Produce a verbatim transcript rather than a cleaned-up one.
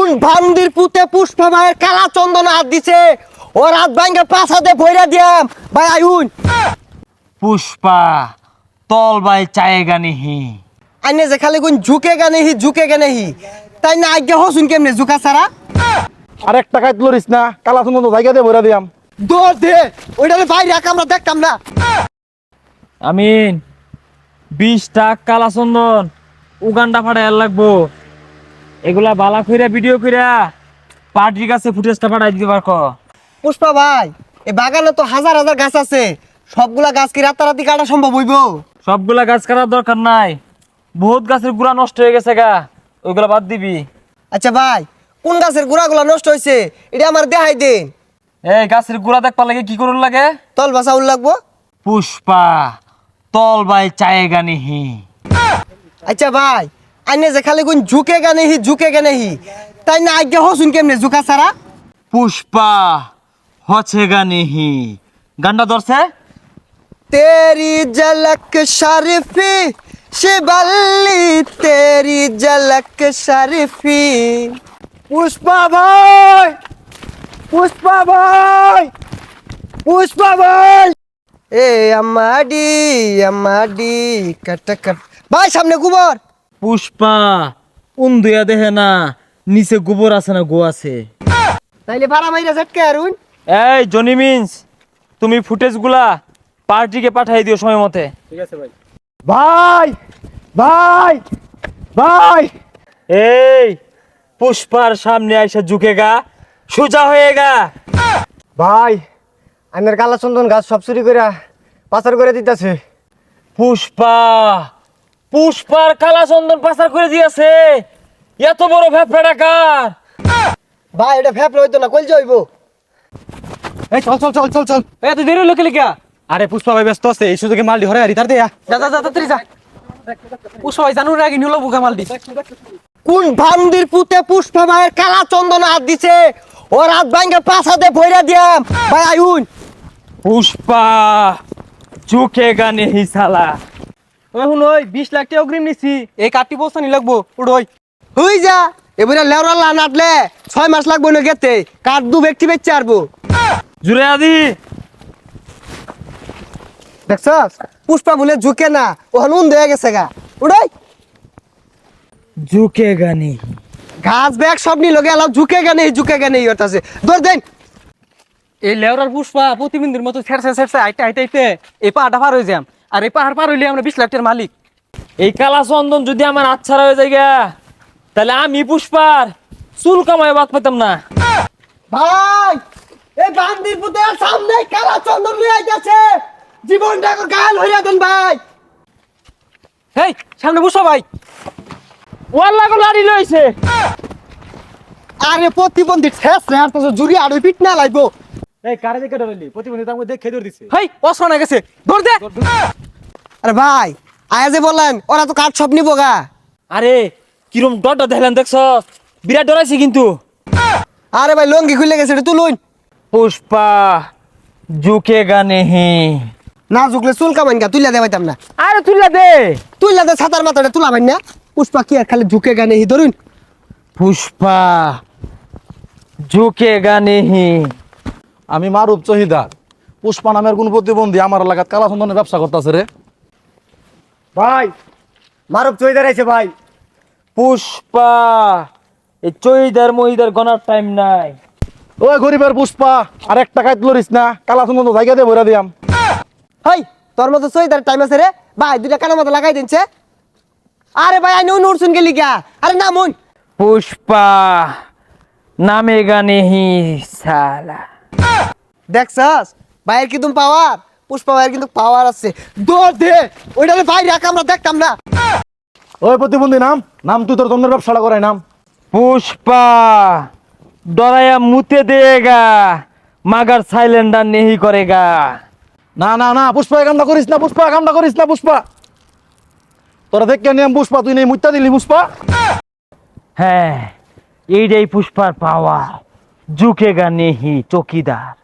ভান্দির পুতে পুষ্পা মায়ের কালা চন্দন হাত দিছে ও রাত ভাঙ্গে পাছাতে ভইরা দিয়াম ভাই আইউন পুষ্পা তল বাই চায়েগা নিহি আইনে যে খালি কোন ঝুকে গানে হি ঝুকে গানে হি তাই না আজ্ঞা হসুন কেমনে ঝুকা ছাড়া আরেক টাকায় তুলিস না কালা সুন্দর জায়গা দিয়ে ভরে দিয়াম দৌড় দে ওইটারে বাইরে রাখ আমরা দেখতাম না আমিন বিশ টাক কালা চন্দন উগান্ডা ফাটাই লাগবো এগুলা বালা কইরা ভিডিও কইরা পার্টির কাছে ফুটেজটা পাঠাই দিতে পারকো পুষ্পা ভাই এই বাগানে তো হাজার হাজার গাছ আছে সবগুলা গাছ কি রাতারাতি কাটা সম্ভব হইব সবগুলা গাছ কাটার দরকার নাই বহুত গাছের গুড়া নষ্ট হয়ে গেছে গা ওইগুলা বাদ দিবি আচ্ছা ভাই কোন গাছের গুড়াগুলা নষ্ট হয়েছে এটা আমার দেখাই দিন এই গাছের গুড়া দেখবার লাগে কি করুন লাগে তল বাসা উল লাগবো পুষ্পা তল বাই চায়েগা নিহি আচ্ছা ভাই আইনে যে খালি কোন ঝুকে গানে হি ঝুকে গানে হি তাই না আজ্ঞা হসুন কেমনে ঝুকা ছাড়া পুষ্পা হছেগা নিহি গান্ডা ধরছে तेरी झलक शरीफी शिबल्ली तेरी झलक शरीफी पुष्पा भाई पुष्पा भाई पुष्पा भाई ए अम्माडी अम्माडी कट कट भाई सामने गोबर পুষ্পা উন্দুয়া দেহে না নিচে গোবর আছে না গো আছে তাইলে ভাড়া মাইরা ঝটকে আরুন এই জনি মিন্স তুমি ফুটেজগুলা পার্টিকে পাঠাই দিও সময় মতে ভাই ভাই ভাই এই পুষ্পার সামনে আইসা ঝুঁকেগা সোজা হয়েগা ভাই আইনের কালা চন্দন গাছ সব চুরি করে পাচার করে দিতেছে পুষ্পা পুষ্পার কালা চন্দন পাচার করে দিয়েছে এত বড় ভ্যাপড়া ডাকার ভাই এটা ফেপলে হইতো না কইল যাইবো এই চল চল চল চল চল এত দেরি লোকে লিখা আরে পুষ্পা ভাই ব্যস্ত আছে এই সুযোগে মাল ধরে আর ইতার দেয়া যা যা যা তাড়াতাড়ি যা পুষ্পা ভাই জানুর আগে নিলো বুকা মালটি কোন ভান্দির পুতে পুষ্পা মায়ের কালা চন্দন হাত দিছে ও রাত ভাঙ্গে পাছাতে ভইরা দিয়াম ভাই আইউন পুষ্পা ঝুঁকেগা নেহি সালা এখন ওই বিশ লাখ টাকা অগ্রিম নিছি এই কাটি বস্তা নি লাগবো উড়োই হই যা এবারে লেওরা লা নাটলে ছয় মাস লাগবো না গেতে কাঠ দু ব্যক্তি বেচে আরবো জুড়ে আদি দেখছস পুষ্পা বলে ঝুঁকে না ওখানে উন হয়ে গেছে গা উড়াই ঝুঁকেগা নেহি ঘাস ব্যাগ সব নিল গেল ঝুঁকে গেনে ঝুঁকে গেনে ইয়তাছে দৌড় দেন এই লেওরার পুষ্পা প্রতিবিন্দির মতো ছেড়ছে ছেড়ছে আইতে আইতে আইতে এই পাহাড়টা পার হয়ে যাম আর এই পাহাড় পার হইলে আমরা বিশ লাখ টাকার মালিক এই কালা চন্দন যদি আমার আচ্ছারা হয়ে যায় গা, তাহলে আমি পুষ্পার চুল কামায় বাদ পেতাম না ভাই এই বান্দির পুতের সামনে কালা চন্দন লই আইতাছে জীবনটা গাল হইয়া দেন ভাই এই সামনে পুষ্পা ভাই ওয়াল্লা গো লাড়ি লইছে আরে প্রতিবন্ধী ঠেস রে আর তো জুরি আর পিট না লাগবো এই কারে দেখে ডরাইলি প্রতিবন্ধী তার মধ্যে খেয়ে দিছে হেই অসনা গেছে ধর দে আরে ভাই আয়া যে বললেন ওরা তো কাঠ সব নিবো গা আরে কিরম ডরটা দেখলেন দেখছ বিরাট ডরাইছে কিন্তু আরে ভাই লঙ্গি খুলে গেছে এটা তুলুন পুষ্পা ঝুঁকেগা নেহি না ঝুকলে চুল কামাইন গা তুইলা দে পাইতাম না আরে তুইলা দে তুইলা দে ছাতার মাথাটা তুলা ভাই না পুষ্পা কি আর খালি ঝুঁকে গানে হি ধরুন পুষ্পা ঝুঁকেগা নেহি আমি মারুপ চহিদার পুষ্পা নামের কোন প্রতিবন্ধী আমার এলাকাত কালা চন্দনের ব্যবসা করতেছে রে ভাই মারুপ চইদার আইছে ভাই পুষ্পা এই চইদার মহিদার গনার টাইম নাই ওই গরিবের পুষ্পা আর এক টাকায় তুলিস না কালা চন্দন জায়গা দিয়ে ভরে দিয়াম হাই তোর মতো চইদার টাইম আছে রে ভাই দুইটা কানের মতো লাগাই দিনছে আরে ভাই আই নো নুরছুন গেলি গা আরে না মন পুষ্পা নামেগা নেহি সালা দেখছস ভাইয়ের কি তুমি পাওয়ার পুষ্পা ভাইয়ের কিন্তু পাওয়ার আছে দৌড় দে ওইটারে ভাই রাখ আমরা দেখতাম না ওই প্রতিবন্ধী নাম নাম তুই তোর চন্দ্রের ব্যবসাটা করাই নাম পুষ্পা ডরায়া মুতে দেগা মাগার সাইলেন্ডার নেহি করেগা না না না পুষ্পা এই কামটা করিস না পুষ্পা এই কামটা করিস না পুষ্পা তোরা দেখ কেন পুষ্পা তুই নেই মুত্তা দিলি পুষ্পা হ্যাঁ এইটাই পুষ্পার পাওয়া ঝুঁকেগা নেহি চকিদার